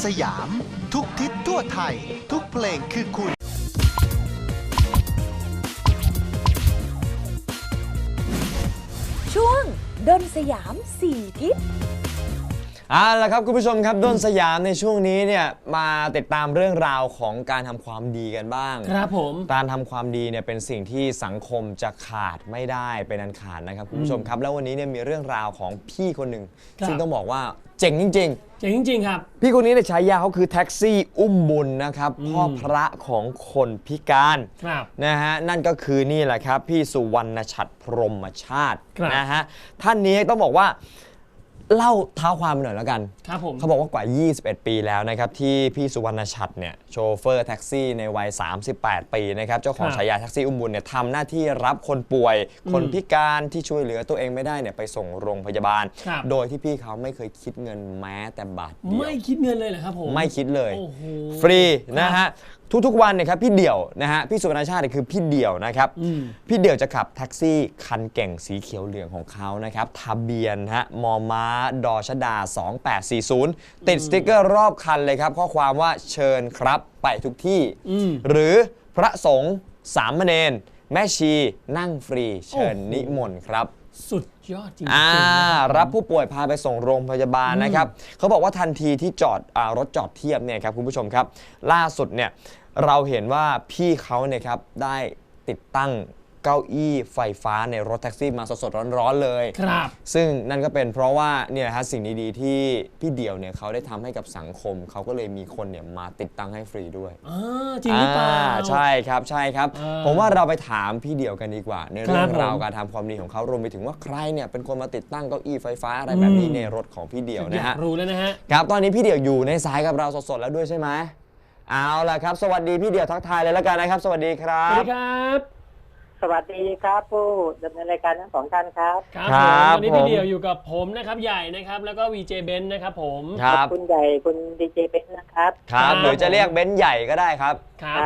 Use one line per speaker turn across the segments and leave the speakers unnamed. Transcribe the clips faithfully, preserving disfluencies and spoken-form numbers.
สยามทุกทิศทั่วไทยทุกเพลงคือคุณ
ช่วงดนสยามสี่ทิศ
เอาล่ะครับคุณผู้ชมครับด้นสยามในช่วงนี้เนี่ยมาติดตามเรื่องราวของการทำความดีกันบ้าง
ครับผม
การทำความดีเนี่ยเป็นสิ่งที่สังคมจะขาดไม่ได้เป็นอันขาดนะครับคุณผู้ชมครับแล้ววันนี้เนี่ยมีเรื่องราวของพี่คนหนึ่งซึ่งต้องบอกว่าเจ๋งจริงๆ
เจ๋งจริงๆครับ
พี่คนนี้ในฉายาเขาคือแท็กซี่อุ้มบุญนะครับพ่อพระของคนพิการนะฮะนั่นก็คือนี่แหละครับพี่สุวรรณฉัตรพรหมชาตินะฮะท่านนี้ต้องบอกว่าเล่าเท้าความหน่อยแล้วกัน
ครับผม
เขาบอกว่ากว่ายี่สิบเอ็ดปีแล้วนะครับที่พี่สุวรรณฉัตรเนี่ยโชเฟอร์แท็กซี่ในวัยสามสิบแปดปีนะครับเจ้าของฉายาแท็กซี่อุ้มบุญเนี่ยทำหน้าที่รับคนป่วยคนพิการที่ช่วยเหลือตัวเองไม่ได้เนี่ยไปส่งโรงพยาบาลโดยที่พี่เขาไม่เคยคิดเงินแม้แต่บาทเดียว
ไม่คิดเงินเลยเหรอครับผม
ไม่คิดเลยฟรีนะฮะทุกๆวันเนี่ยครับพี่เดี่ยวนะฮะพี่สุวรรณชาติคือพี่เดี่ยวนะครับพี่เดี่ยวจะขับแท็กซี่คันเก่งสีเขียวเหลืองของเขานะครับทะเบียนฮะมอม้าดอชดาสองแปดสี่ศูนย์ติดสติ๊กเกอร์รอบคันเลยครับข้อความว่าเชิญครับไปทุกที่หรือพระสงฆ์สามเณรแม่ชีนั่งฟรีเชิญนิมนต์ครับ
สุดยอดจริง
ๆรับผู้ป่วยพาไปส่งโรงพยาบาลนะครับเขาบอกว่าทันทีที่จอดรถจอดเทียบเนี่ยครับคุณผู้ชมครับล่าสุดเนี่ยเราเห็นว่าพี่เขาเนี่ยครับได้ติดตั้งเก้าอี้ไฟฟ้าในรถแท็กซี่มาสดๆร้อนๆเลย
ครับ
ซึ่งนั่นก็เป็นเพราะว่าเนี่ยฮะสิ่งดีๆที่พี่เดี่ยวเนี่ยเขาได้ทำให้กับสังคมเขาก็เลยมีคนเนี่ยมาติดตั้งให้ฟรีด้วย
อ๋อจริงหรือเปล่า
ใช่ครับใช่ครับผมว่าเราไปถามพี่เดี่ยวกันดีกว่าในเรื่องราวการทำความดีของเขารวมไปถึงว่าใครเนี่ยเป็นคนมาติดตั้งเก้าอี้ไฟฟ้าอะไรแบบนี้ในรถของพี่เดี่ยวนะฮะ
รู้แล้วนะฮะ
ครับตอนนี้พี่เดี่ยวอยู่ในสายกับเราสดๆแล้วด้วยใช่ไหมเอาล่ะครับสวัสดีพี่เดี่ยวทักทายเลยแล้วกันนะครับสวัสดีครับ
สวัสดีครับ
สวัสดีครับผู้ดำเนินรายการทั้งสองท่านครับ
ครับวันนี้พี่เดี่ยวอยู่กับผมนะครับใหญ่นะครับแล้วก็วีเจเบนซ์นะครับผม
ครับ
คุณใหญ่คุณดีเจเบนซ์นะครับ
ครับหรือจะเรียกเบนซ์ใหญ่ก็ได้ครับ
ครับ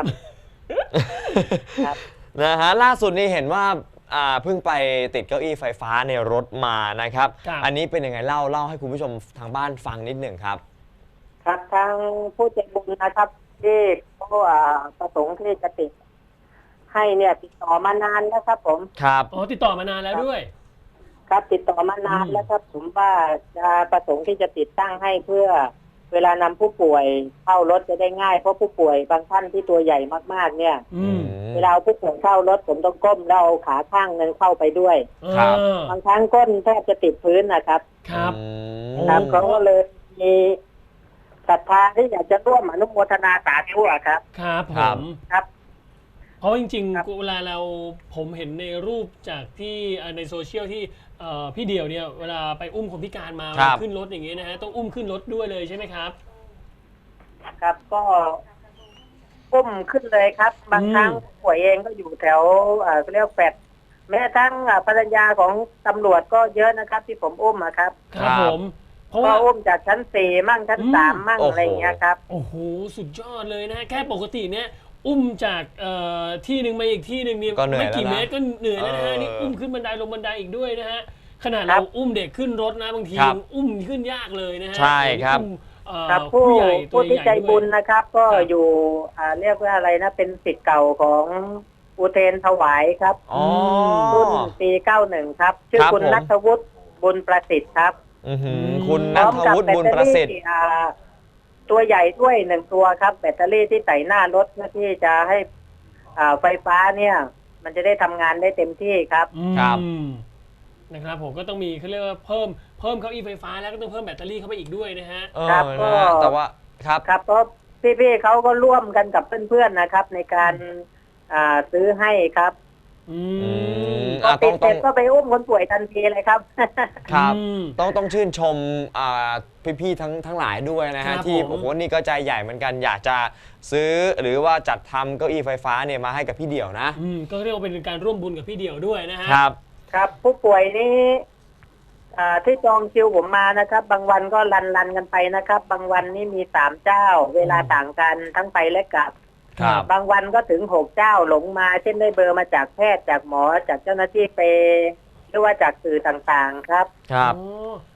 นะฮะล่าสุดนี้เห็นว่าเพิ่งไปติดเก้าอี้ไฟฟ้าในรถมานะครับอันนี้เป็นยังไงเล่าเล่าให้คุณผู้ชมทางบ้านฟังนิดหนึ่งครับ
ครับทางผู้ใจบุญนะครับที่เขาประสงค์ที่จะติดให้เนี่ยติดต่อมานานแล้วครับผม
ครับ
อ๋อติดต่อมานานแล้วด้วย
ครับติดต่อมานานแล้วครับผมว่าจะประสงค์ที่จะติดตั้งให้เพื่อเวลานำผู้ป่วยเข้ารถจะได้ง่ายเพราะผู้ป่วยบางท่านที่ตัวใหญ่มากๆเนี่ยเวลาผู้ป่วยเข้ารถผมต้องก้มแล้วเอาขาข้างนึงเข้าไปด้วย
ครับ
บางครั้งก้นแทบจะติดพื้นนะครับ
ครับ
ครับเขาก็เลยมีศรัทธาที่อยากจะร่วมอนุโมทนาสาธุครับ
ครับผม
ครับ
เพราะจริงๆเวลาเราผมเห็นในรูปจากที่ในโซเชียลที่พี่เดี่ยวเนี่ยเวลาไปอุ้มคนพิการมาขึ้นรถอย่างเงี้ยนะฮะต้องอุ้มขึ้นรถด้วยเลยใช่ไหมครับ
ครับก็อุ้มขึ้นเลยครับบางครั้งป่วยเองก็อยู่แถวเขาเรียกแฟดแม้ทั้งภรรยาของตำรวจก็เยอะนะครับที่ผมอุ้มครับ
ครับผม
ก็อุ้มจากชั้นสี่มั่งชั้นสามมั่งอะไรอย่างเงี้ยครับ
โอ้โหสุดยอดเลยนะแค่ปกติเนี่ยอุ้มจากที่หนึ่งมาอีกที่หนึ่งเนี่ยไม่กี่เมตรก็เหนื่อยแล้วนะฮะนี่อุ้มขึ้นบันไดลงบันไดอีกด้วยนะฮะขนาดเราอุ้มเด็กขึ้นรถนะบางทีอุ้มขึ้นยากเลยนะฮะ
ใช่ครับ
ครับผู้ผู้ที่ใจบุญนะครับก็อยู่เรียกว่าอะไรนะเป็นศิษย์เก่าของอุเทนถวายครับรุ่นปีเก้าสิบครับชื่อคุณณัฐวุฒิบุญประสิทธิ์ครับ
คุณณัฐวุฒิบุญประสิทธิ์
ตัวใหญ่ด้วยหนึ่งตัวครับแบตเตอรี่ที่ใส่หน้ารถเพื่อที่จะให้ไฟฟ้าเนี่ยมันจะได้ทำงานได้เต็มที่ครับ
ครับ
นะครับผมก็ต้องมีเขาเรียกว่าเพิ่มเพิ่มเก้าอี้ไฟฟ้าแล้วก็ต้องเพิ่มแบตเตอรี่เข้าไปอีกด้วยนะฮะ
ครับก็
แต่ว่าครับ
ครับเพราะพี่ๆเขาก็ร่วมกันกับเพื่อนๆนะครับในการซื้อให้ครับก็ติดเสร็จก็ไปอุ้มคนป่วยทันทีเลยครับ
ครับต้องต้องชื่นชมพี่ๆทั้งทั้งหลายด้วยนะฮะที่โอ้โหนี่ก็ใจใหญ่เหมือนกันอยากจะซื้อหรือว่าจัดทำเก้าอี้ไฟฟ้าเนี่ยมาให้กับพี่เดี่ยวนะ
ก็เรียกว่าเป็นการร่วมบุญกับพี่เดี่ยวด้วยนะฮะ
ครับ
ครับผู้ป่วยนี้ที่จองคิวผมมานะครับบางวันก็รันรันกันไปนะครับบางวันนี่มีสามเจ้าเวลาต่างกันทั้งไปและกลับบางวันก็ถึงหกเจ้าหลงมาเช่นได้เบอร์มาจากแพทย์จากหมอจากเจ้าหน้าที่เปหรือว่าจากสื่อต่างๆครับ
ครับ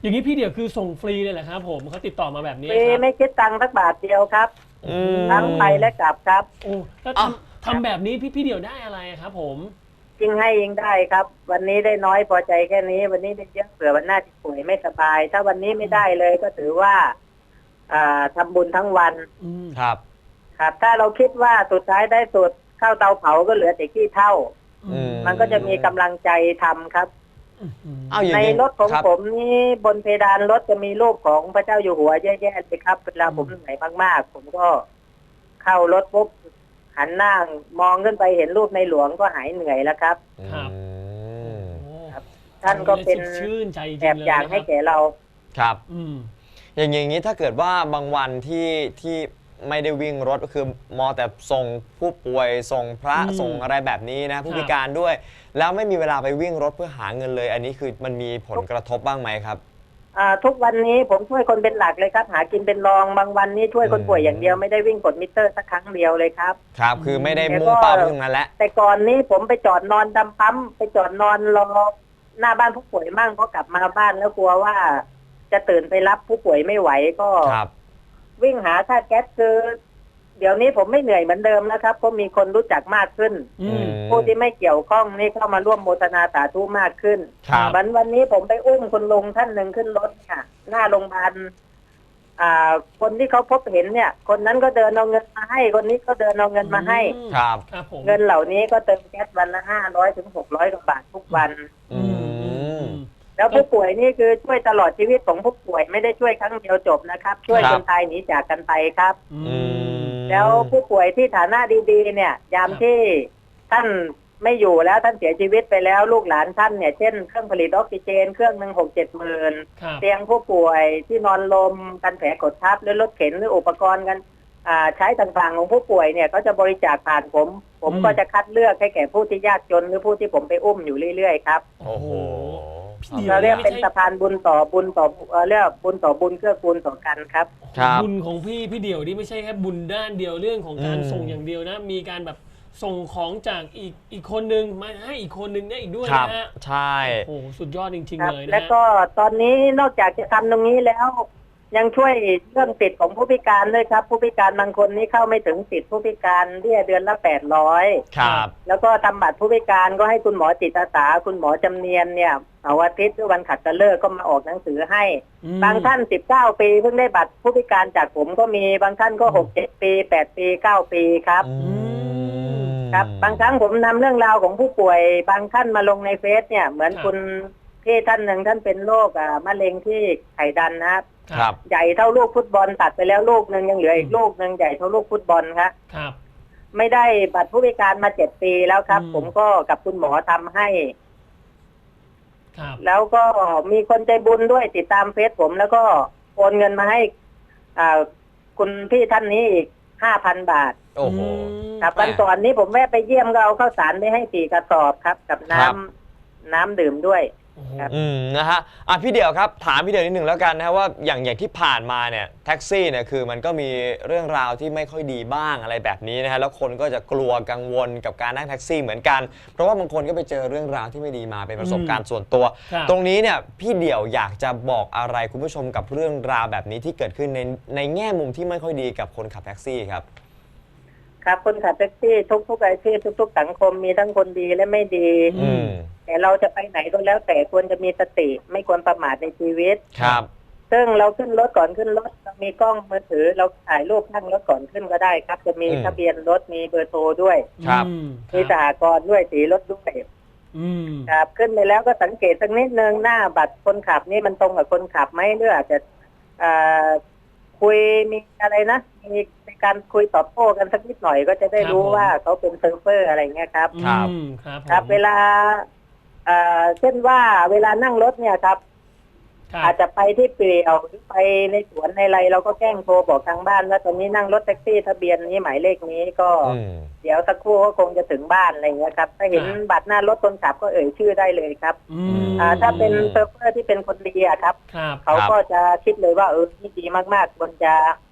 อย่างนี้พี่เดี่ยวคือส่งฟรีเลยเหรอครับผมเขาติดต่อมาแบบนี้
ฟรี
ครับ
ไม่คิดตังค์สักบาทเดียวครับ
อืม
ทั้งไปและกลับครับ
โอ้แล้ว
อ่ะ
ทำทำแบบนี้พี่พี่เดี่ยวได้อะไรครับผม
จริงให้ยิงได้ครับ วันนี้ได้น้อยพอใจแค่นี้ วันนี้ได้เยอะเผื่อวันหน้าจะป่วยไม่สบาย ถ้าวันนี้ไม่ได้เลยก็ถือว่าอ่าทำบุญทั้งวัน
อืม
ครับ
ครับ ถ้าเราคิดว่าสุดท้ายได้สุดเข้าเตาเผาก็เหลือแต่ขี้เถ้า
อืม
มันก็จะมีกำลังใจทำครับ
เอาอย่าง
ใน
นี้
รถของ
ครับ
ผมนี่บนเพดานรถจะมีรูปของพระเจ้าอยู่หัวเยอะแยะเลยครับเวลาผมเหนื่อยมากๆ ผมก็เข้ารถปุ๊บหันหน้ามองขึ้นไปเห็นรูปในหลวงก็หายเหนื่อยแล้วครับ
ครับ
อืม
โอ้
ท่านก็เป็น
สดชื่นใจจริง
แอบ
เลย
อย่าง
นะค
ให้
รับ
แก่เรา
ครับ
อืม
อย่างอย่างนี้ถ้าเกิดว่าบางวันที่ที่ไม่ได้วิ่งรถก็คือมอแต่ส่งผู้ป่วยส่งพระ
อืม
ส่งอะไรแบบนี้นะผู้
ครับ
พิการด้วย แล้วไม่มีเวลาไปวิ่งรถเพื่อหาเงินเลย อันนี้คือมันมีผลกระทบบ้างไหมครับ
อ่าทุกวันนี้ผมช่วยคนเป็นหลักเลยครับ หากินเป็นรองบางวันนี้ช่วยคนป่วยอย่างเดียวไม่ได้วิ่งกดมิเตอร์สักครั้งเดียวเลยครับ
ครับ คือไม่ได้
แล้วก็
มุ่งเป้าไปตรงนั้นแล้ว
แต่ก่อนนี้ผมไปจอดนอนดำปั๊มไปจอดนอนรอหน้าบ้านผู้ป่วยมั่งเพราะกลับมาบ้านแล้วกลัวว่าจะตื่นไปรับผู้ป่วยไม่ไหวก็
ครับ
วิ่งหาค่าแก๊สคือเดี๋ยวนี้ผมไม่เหนื่อยเหมือนเดิมนะครับเพราะมีคนรู้จักมากขึ้น
อืม
ผู้ที่ไม่เกี่ยวข้องนี่เข้ามาร่วมโมทนาสาธุมากขึ้น
ครับ
วันวันนี้ผมไปอุ้มคุณลุงท่านหนึ่งขึ้นรถค่ะ หน้าโรงพยาบาลอ่า คนที่เขาพบเห็นเนี่ย คนนั้นก็เดินเอาเงินมาให้ คนนี้ก็เดินเอาเงินมาให้
ครับ
ครับผม
เงินเหล่านี้ก็เติมแก๊สวันละห้าร้อยถึงหกร้อยกว่าบาททุกวัน
อืม
แล้วผู้ป่วยนี่คือช่วยตลอดชีวิตของผู้ป่วยไม่ได้ช่วยครั้งเดียวจบนะครับ ช่วย
ครับ
จนตายหนีจากกันไปครับ
อื
อื
ม
ม
แล้วผู้ป่วยที่ฐานะดีๆ เนี่ย ยาม
ครับ
ที่ท่านไม่อยู่แล้วท่านเสียชีวิตไปแล้วลูกหลานท่านเนี่ยเช่นเครื่องผลิตออกซิเจนเครื่องหนึ่งหกเจ็ดหมื่น
ครับ
เตียงผู้ป่วยที่นอนลมกันแผลกดทับหรือรถเข็นหรืออุปกรณ์กันอ่าใช้ต่างๆของผู้ป่วยเนี่ยก็จะบริจาคผ่านผม ผม
อืม
ก็จะคัดเลือกให้แก่ผู้ที่ยากจนหรือผู้ที่ผมไปอุ้มอยู่เรื่อยๆครับ
โอ้โห
พี่
เราเรียก
ไม่
เป็น
ใช่
สะพานบุญต่อบุญต่อเอ่อเรียกบุญต่อบุญเกื้อกูลต่อกันครับ
ครับ
บุญของพี่พี่เดี่ยวนี่ไม่ใช่แค่บุญด้านเดียวเรื่องของการ
อืม
ส่งอย่างเดียวนะ มีการแบบส่งของจากอีกอีกคนนึงมาให้อีกคนนึงได้อีกด้วย
ครับ
นะฮะ
ใช่
โอ้โหสุดยอดจริง
ค
ๆ
รับ
เลยนะ
แล้ว
ฮะ
ก็ตอนนี้นอกจากจะทำตรงนี้แล้ว ยังช่วยเรื่องสิทธิ์ของผู้พิการด้วยครับ ผู้พิการบางคนนี่เข้าไม่ถึงสิทธิ์ผู้พิการเบี้ยเดือนละแปดร้อย
ครับ
แล้วก็ทำบัตรผู้พิการก็ให้คุณหมอจิตอาสาคุณหมอจำเนียนเนี่ยเสาร์อาทิตย์หรือวันขัดตะเลิกก็มาออกหนังสือให้
อืม
บางท่านสิบเก้าปีเพิ่งได้บัตรผู้พิการจากผมก็มีบางท่านก็หกเจ็ดปีแปดปีเก้าปีครับ
อืม
ครับ บางครั้งผมนำเรื่องราวของผู้ป่วย บางท่านมาลงในเฟซเนี่ยเหมือนคุณพี่ท่านหนึ่งท่านเป็นโรคอ่ามะเร็งที่ไขดันนะครับ
ครับ
ใหญ่เท่าลูกฟุตบอลตัดไปแล้วลูกหนึ่งยังเหลืออีกลูกหนึ่งใหญ่เท่าลูกฟุตบอลครับ
ครับ
ไม่ได้บัตรผู้พิการมาเจ็ดปีแล้วครับ
อืม
ผมก็กับคุณหมอทำให้
ครับ
แล้วก็มีคนใจบุญด้วยติดตามเฟซผมแล้วก็โอนเงินมาให้อ่าคุณพี่ท่านนี้อีกห้าพันบาท
โอ้โห
ครับวันก่อนนี้ผมแวะไปเยี่ยมก็เอาข้าวสารไปให้สี่กระสอบครับ กับน้ำ
ครับ
น้ำดื่มด้วย
โอ้โห
ครับ
อืมนะฮะอ่ะพี่เดี่ยวครับถามพี่เดี่ยวนิดหนึ่งแล้วกันนะฮะว่าอย่างอย่างที่ผ่านมาเนี่ยแท็กซี่เนี่ยคือมันก็มีเรื่องราวที่ไม่ค่อยดีบ้างอะไรแบบนี้นะฮะแล้วคนก็จะกลัวกังวลกับการนั่งแท็กซี่เหมือนกัน เพราะว่าบางคนก็ไปเจอเรื่องราวที่ไม่ดีมาเป็นประสบการณ์ส่วนตัว
ครับ
ตรงนี้เนี่ยพี่เดี่ยวอยากจะบอกอะไรคุณผู้ชมกับเรื่องราวแบบนี้ที่เกิดขึ้นในในแง่มุมที่ไม่ค่อยดีกับคนขับแท็กซี่ครับ
ครับคนขับแท็กซี่ทุกๆอาชีพทุกๆสังคมมีทั้งคนดีและไม่ดี
อืม
แต่เราจะไปไหนก็แล้วแต่ควรจะมีสติไม่ควรประมาทในชีวิต
ครับ
ซึ่งเราขึ้นรถก่อนขึ้นรถเรามีกล้องมือถือเราถ่ายรูปข้างรถก่อนขึ้นก็ได้ครับ จะมี
อืม
ทะเบียนรถมีเบอร์โทรด้วย
ครับ
อืม
มีสหกรณ์ด้วยสีรถด้วย
อืม
ครับขึ้นไปแล้วก็สังเกตสักนิดนึงหน้าบัตรคนขับนี่มันตรงกับคนขับไหมหรืออาจจะอ่าคุยมีอะไรนะมีในการคุยตอบโต้กันสักนิดหน่อยก็จะได้รู้ว่าเขาเป็นเซิร์ฟเวอร์อะไรเงี้ยครับ
ครับ
อืมครับผม
ครับเวลาเอ่อเช่นว่าเวลานั่งรถเนี่ยครับ
ครับ
อาจจะไปที่เปลี่ยวหรือไปในสวนในไรเราก็แกล้งโทรบอกทางบ้านว่าตอนนี้นั่งรถแท็กซี่ทะเบียนนี้หมายเลขนี้ก็
อืม
เดี๋ยวสักครู่ก็คงจะถึงบ้านอะไรเงี้ยครับถ้าเห็นบัตรหน้ารถคนขับก็เอ่ยชื่อได้เลยครับ
อืม
อ่าถ้าเป็นเซิร์ฟเวอร์ที่เป็นคนดีอะครับ
ครับ
เขาก็จะคิดเลยว่าเออนี่ดีมากๆควรจะ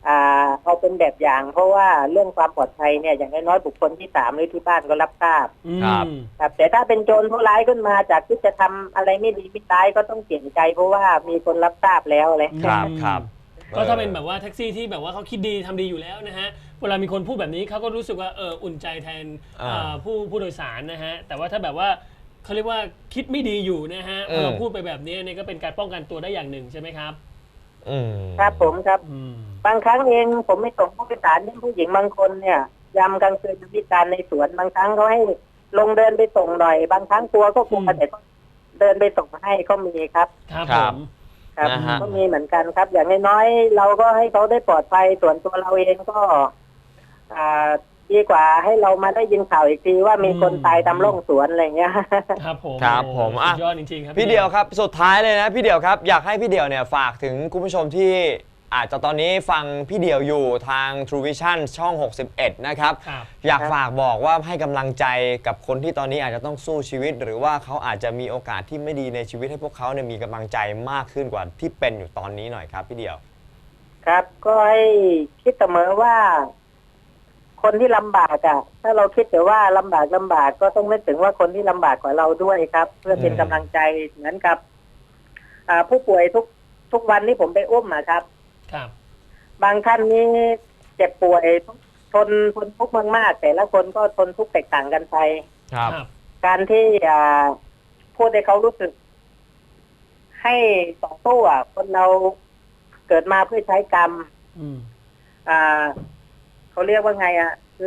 อ่าเอาเป็นแบบอย่าง เพราะว่าเรื่องความปลอดภัยเนี่ยอย่างน้อยๆบุคคลที่สามหรือที่บ้านก็รับทราบ
ครับ
ครับแต่ถ้าเป็นโจรผู้ร้ายขึ้นมาจากที่จะทำอะไรไม่ดีไม่ร้ายก็ต้องเปลี่ยนใจ เพราะว่ามีคนรับทราบแล้วเลย
ครับครับ
ก็ถ้าเป็นแบบว่าแท็กซี่ที่แบบว่าเขาคิดดีทำดีอยู่แล้วนะฮะเวลามีคนพูดแบบนี้เขาก็รู้สึกว่าเอออุ่นใจแทน
อ่า
อ่าผู้ผู้โดยสารนะฮะแต่ว่าถ้าแบบว่าเขาเรียกว่าคิดไม่ดีอยู่นะฮะ
อืม
พอเราพูดไปแบบนี้เนี่ยก็เป็นการป้องกันตัวได้อย่างหนึ่งใช่ไหมครับ
อืม
ครับผมครับ
อืม
บางครั้งเองผมไม่ส่งผู้โดยสารที่ผู้หญิงบางคนเนี่ยยามกลางคืนพิการในสวนบางครั้งเขาให้ลงเดินไปส่งหน่อย บางครั้งกลัวก็กลัว
อืม
แต่ก็เดินไปส่งให้ก็มีครับ
ครับ
ค
ผ
รับ
ม
ครับ
นะฮะ
ก็มีเหมือนกันครับ อย่างน้อยๆเราก็ให้เขาได้ปลอดภัยส่วนตัวเราเองก็อ่าดีกว่าให้เรามาได้ยินข่าวอีกทีว่ามีคนตายตามร่องสวนอะไรอย่างเงี้ย
ครับผม
ครับผม
สุ
อ่ะ
ดยอดจริงๆครับ
พี่เดียวครับสุดท้ายเลยนะพี่เดียวครับอยากให้พี่เดียวเนี่ยฝากถึงคุณผู้ชมที่อาจจะตอนนี้ฟังพี่เดียวอยู่ทาง True Vision ช่อง หกสิบเอ็ด นะครับ
ครับ
อยากฝากบอกว่าให้กำลังใจกับคนที่ตอนนี้อาจจะต้องสู้ชีวิต หรือว่าเขาอาจจะมีโอกาสที่ไม่ดีในชีวิตให้พวกเขาเนี่ยมีกำลังใจมากขึ้นกว่าที่เป็นอยู่ตอนนี้หน่อยครับพี่เดียว
ครับก็ให้คิดเสมอว่า คนที่ลำบากอ่ะ ถ้าเราคิดแต่ว่าลำบากลำบากก็ต้องนึกถึงว่าคนที่ลำบากกว่าเราด้วยครับ เพื่อเป็น
อืม
กำลังใจเหมือนกับ อ่าผู้ป่วยทุกทุกวันที่ผมไปอุ้มอะครับ
ครับ
บางท่านนี่เจ็บป่วยทนทนทุกข์มากๆแต่ละคนก็ทนทุกข์แตกต่างกันไป
ครับ
ครับ
การที่อ่าพูดให้เขารู้สึก ให้ต่อสู้อ่ะคนเราเกิดมาเพื่อใช้กรรม
อืม
อ่าเขาเรียกว่าไงอ่ะ คือ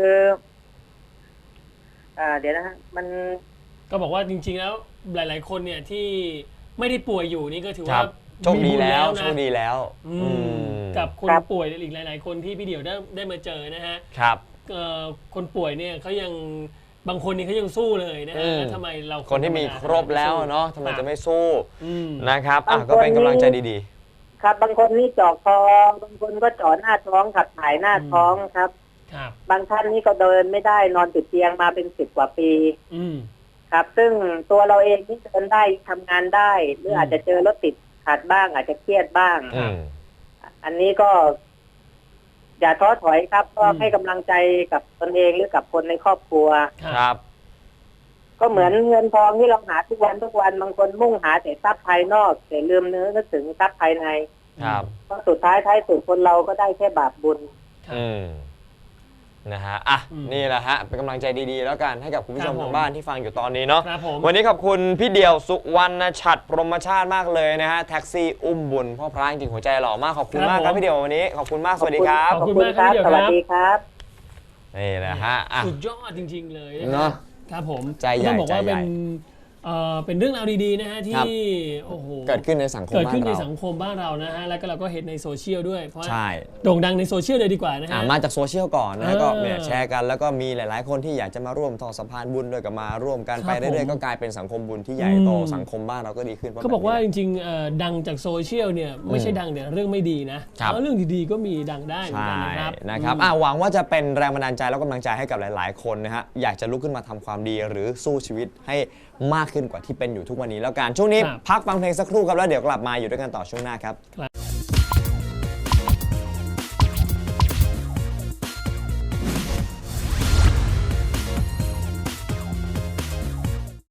อ่า เดี๋ยวนะฮะมัน
ก็บอกว่าจริงๆแล้วหลาย ๆ คนเนี่ยที่ไม่ได้ป่วยอยู่นี่ก็ถือ
ค
ว่า
รับโชคดี
มีบุญ
แล้ว
นะ
โชคดีแล้ว
อื
อื
ม
ม
กับคน
ครับ
ป่วยอีกหลาย ๆ คนที่พี่เดี่ยวได้ได้มาเจอนะฮะ
ครับ
เอ่อคนป่วยเนี่ยเขายังบางคนนี่เขายังสู้เลยนะ
อื
ฮะ
ม
แล้วทำไมเรา
คนที่มีครบแล้วเนาะทำไมจะไม่สู้
อืม
นะครับอ่ะ
บางคน
ก็เป็นกำลังใจดี
ครับ บางคนนี่เจาะคอ บางคนก็เจาะหน้าท้องขับถ่ายหน้าท้องครับ
ครับ
บางท่านนี่ก็เดินไม่ได้นอนติดเตียงมาเป็นสิบกว่าปี
อืม
ครับ ซึ่งตัวเราเองที่เดินได้ทำงานได้ หรือ
ม
อาจจะเจอรถติดขัดบ้าง อาจจะเครียดบ้าง
ๆอืม
อันนี้ก็ อย่าท้อถอยครับ ก็
อืม
ให้กำลังใจกับตนเองหรือกับคนในครอบครัว
ครับ
ก็เหมือนเงินทองที่เราหาทุกวันทุกวันบางคนมุ่งหาแต่ทรัพย์ภายนอก แต่ลืมเนื้อนึกถึงทรัพย์ภายใน
ครับ
เพราะสุดท้ายท้ายสุดคนเราก็ได้แค่บาปบุญ
ครับ
อืมนะฮะอ่ะ
อืม
นี่แหละฮะเป็นกำลังใจดีๆ แล้วกันให้กับคุณผู้ชม
ครับผม
ทางบ้านที่ฟังอยู่ตอนนี้เนาะ
ครับผม
วันนี้ขอบคุณพี่เดี่ยวสุวรรณฉัตรพรหมชาติมากเลยนะฮะแท็กซี่อุ้มบุญพ่อพระจริงๆหัวใจหล่อมากขอบคุณมากครับพี่เดี่ยววันนี้ขอบคุณมากสวัสดีครับ
ขอบคุณมากครับพี่เดี่ยว
ส
ค
วั
รั
ส
บ
ดีครับ
นี่แหละฮะอ่ะ
สุดยอดจริง ๆ เลย
เนอะ
ครับผม
ใจใหญ่
ต้องบอกว่า
ใจใหญ่
เป็นเอ่อเป็นเรื่องราวดีๆนะฮะ
ครั
ที่
บ
โอ้โห
เกิดขึ้นในสังคม
เกิด
บ้า
ขึ้น
น
ใน
เรา
สังคมบ้านเรานะฮะแล้วก็เราก็เห็นในโซเชียลด้วยเพราะว่า
ใช่
โด่งดังในโซเชียลเลยดีกว่านะ
อ่ะ
ฮะ
มาจากโซเชียลก่อนนะ
เออ
ก็เนี่ยแชร์กันแล้วก็มีหลาย ๆ คนที่อยากจะมาร่วมต่อสะพานบุญด้วยก็มาร่วมกัน
ครับ
ไปเรื่อย
ผม
ๆก็กลายเป็นสังคมบุญที่ใหญ่โต
อืม
สังคมบ้านเราก็ดีขึ้นพระ
เขาบอกว่า
แบบ
จ
นี้
ริงๆเอ่อดังจากโซเชียลเนี่ยไม่ใช่ดังเนี่ยเรื่องไม่ดีนะครับ เออเรื่องดีๆก็มีดังได้เหมือน
ใช่
กันนะครับ
นะครับ
อืม
อ่ะหวังว่าจะเป็นแรงบันดาลใจแล้วก็กำลังใจให้กับหลาย ๆ คนนะฮะอยากจะลุกขึ้นมาทำความดีหรือสู้ชีวิตให้มากขึ้นกว่าที่เป็นอยู่ทุกวันนี้แล้วกันช่วงนี้
ครับ
พักฟังเพลงสักครู่ครับแล้วเดี๋ยวกลับมาอยู่ด้วยกันต่อช่วงหน้าครับ